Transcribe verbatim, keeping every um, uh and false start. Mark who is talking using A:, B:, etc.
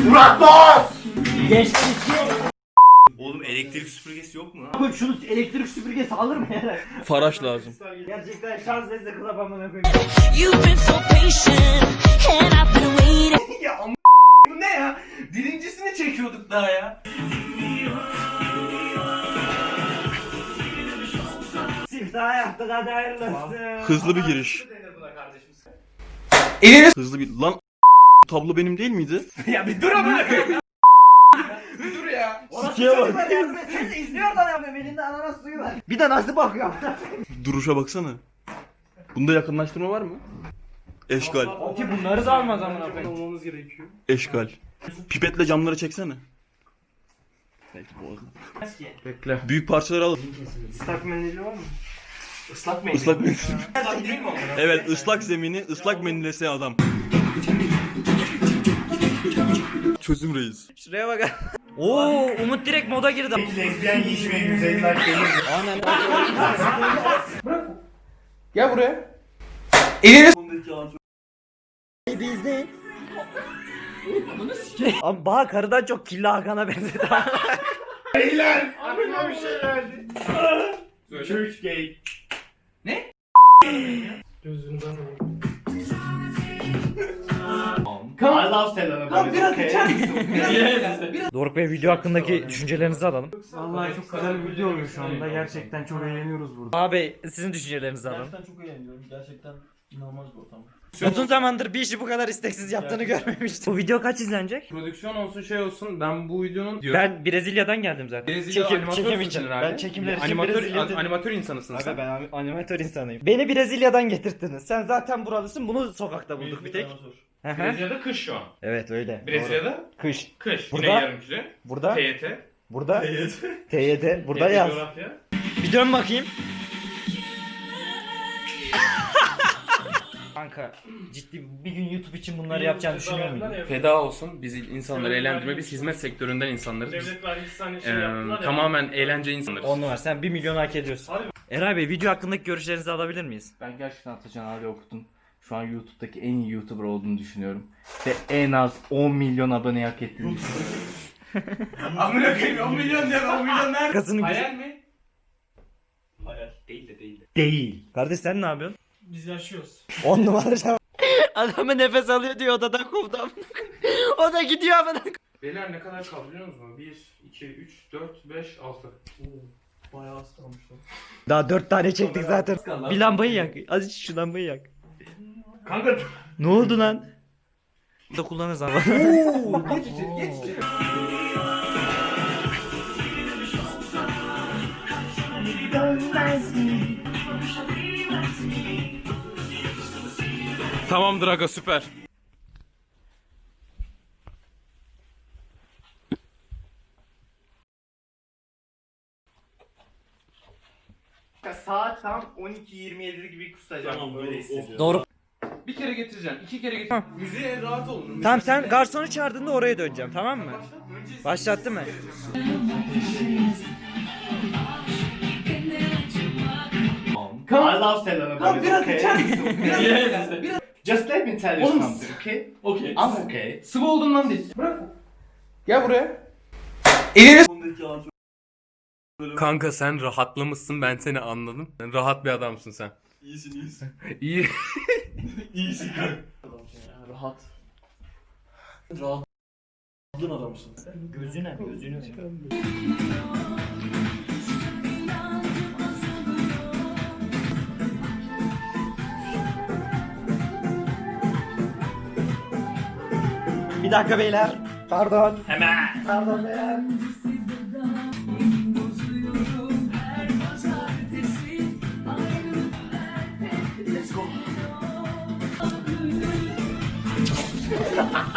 A: Murat Boz!
B: Geçti iki.
C: Oğlum elektrik süpürgesi yok mu lan?
B: Abi şunu elektrik süpürgesi alır mı ya?
D: Faraş lazım.
B: Gerçekten şans eseri kılap amına koyayım.
E: You've been so patient, and I've been waiting.
C: Ya amma bu ne ya? Birincisini çekiyorduk daha ya.
B: Siftah yaptık hadi hayırlısı.
D: Hızlı bir giriş.
C: Elini
D: Hızlı bir... Lan tablo benim değil miydi?
C: ya bir dur ama. Bir dur ya.
B: Sikiye bak. Yardım etsenize izliyor da yapıyorum elinde ananas suyu var. Bir de nasıl bakıyor?
D: Duruşa baksana. Bunda yakınlaştırma var mı? Eşgal.
B: Ki bunları da almaz amına koyayım.
C: Olmamız gerekiyor.
D: Eşgal. Pipetle camları çeksene. Belki boğazına.
C: Bekle.
D: Büyük parçaları al.
C: Islak mendili var mı? Islak mendil.
D: Islak mendil.
C: Islak değil mi o?
D: Evet, ıslak zemini ıslak mendilese adam. Çözüm reis.
B: Şuraya bak. Oo Umut direkt moda girdi.
A: Lezbiyen yiyişmeye yüz elli like gelir.
C: Gel buraya. Elini
B: Abi Baha karıdan çok kirli Hakan'a benzedi.
A: Beyler! Aklıma bir şey geldi. Church gay.
C: Ne?
A: Gözünden
C: I
A: love Selena Gomez.
C: biraz
A: okay?
C: içer misin? Biraz
B: Doruk Bey video hakkındaki düşüncelerinizi alalım.
F: Vallahi çok güzel bir video oluyor şu anda. Gerçekten çok eğleniyoruz burada.
B: Abi sizin düşüncelerinizi alalım.
F: Gerçekten çok eğleniyorum. Gerçekten inanılmaz bir ortam.
B: Uzun zamandır bir işi bu kadar isteksiz yaptığını görmemiştim. Bu video kaç izlenecek?
F: Prodüksiyon olsun şey olsun ben bu videonun diyor.
B: Ben Brezilya'dan geldim zaten.
F: Brezilya
B: Çekim-
F: animatör
B: çekim
F: musun
B: için.
F: herhalde?
B: Ben çekimler için
F: animatör,
B: Brezilya'dan-
F: an- animatör insanısın
B: Abi
F: sen.
B: ben ani- animatör insanıyım. Beni Brezilya'dan getirttiniz. Sen zaten buralısın. Bunu sokakta bulduk bir tek. Hı hı.
F: Brezilya'da kış şu an.
B: Evet öyle.
F: Brezilya'da
B: Doğru. Kış.
F: kış.
B: Burada-
F: Yine yarım küre.
B: Burada.
F: T Y T.
B: Burada. T Y D. Burada
F: T Y T
B: yaz.
F: coğrafya.
B: Bir dön bakayım. Kanka ciddi bir gün YouTube için bunları yapacağını düşünüyor muydun?
F: Feda olsun biz insanları eğlendirme biz hizmet sektöründen insanlarız. Biz,
G: Devlet vergisi hani şey
F: eee,
G: yaptılar ya.
F: tamamen eğlence insanlarız.
B: On numara sen bir milyon hak ediyorsun. Eray Bey video hakkındaki görüşlerinizi alabilir miyiz?
H: Ben gerçekten Atacan abi okudum. Şu an YouTube'daki en iyi YouTuber olduğunu düşünüyorum. Ve en az on milyon abone hak ettiğini düşünüyorum.
C: Amına koyayım on milyon diyor on milyon nerede?
B: Kasının
F: Hayal mi?
G: Hayal.
F: Değil de değil de.
B: değil. Kardeş sen ne yapıyorsun?
G: Biz yaşıyoruz.
B: On numara. Adamı nefes alıyor diyor odadan kovdum. O da gidiyor amına.
F: Beyler ne kadar kaldı biliyor musunuz? bir, iki, üç, dört, beş, altı.
G: Bayağı az kalmış lan.
B: Daha dört tane çektik zaten. Bir lambayı yak. Az şu lambayı yak.
C: Kanka
B: Ne oldu lan? Da kullanırız ama.
C: geç içeri geç içeri.
F: Tamamdır aga süper.
A: Saat tam on iki yirmi yedi gibi kusacağım.
G: Tamam,
A: böyle
G: doğru.
A: hissediyorum.
B: Doğru.
F: Bir kere getireceksin, iki kere getireceksin.
C: Müziğe rahat olun.
B: Tamam sen garsonu çağırdığında oraya döneceğim tamam mı? Başlattı mı?
A: I love Selena
C: Lan
A: Gomez.
C: biraz
A: okay?
C: içer misin? Biraz biraz. Biraz.
A: Just let me tell you
F: Oğlum,
A: something, okay?
F: Okey.
A: I'm okay.
F: Sıvı olduğundan değil. Bırak. Gel buraya. Elini Kanka sen rahatlamışsın ben seni anladım. Sen rahat bir adamsın sen.
D: İyisin iyisin.
F: İyi.
D: İyisin kanka.
G: Rahat. Rahatlığın adamsın.
B: Gözüne gözünü. Bir dakika beyler. Pardon. Hemen. Pardon beyler. Let's go.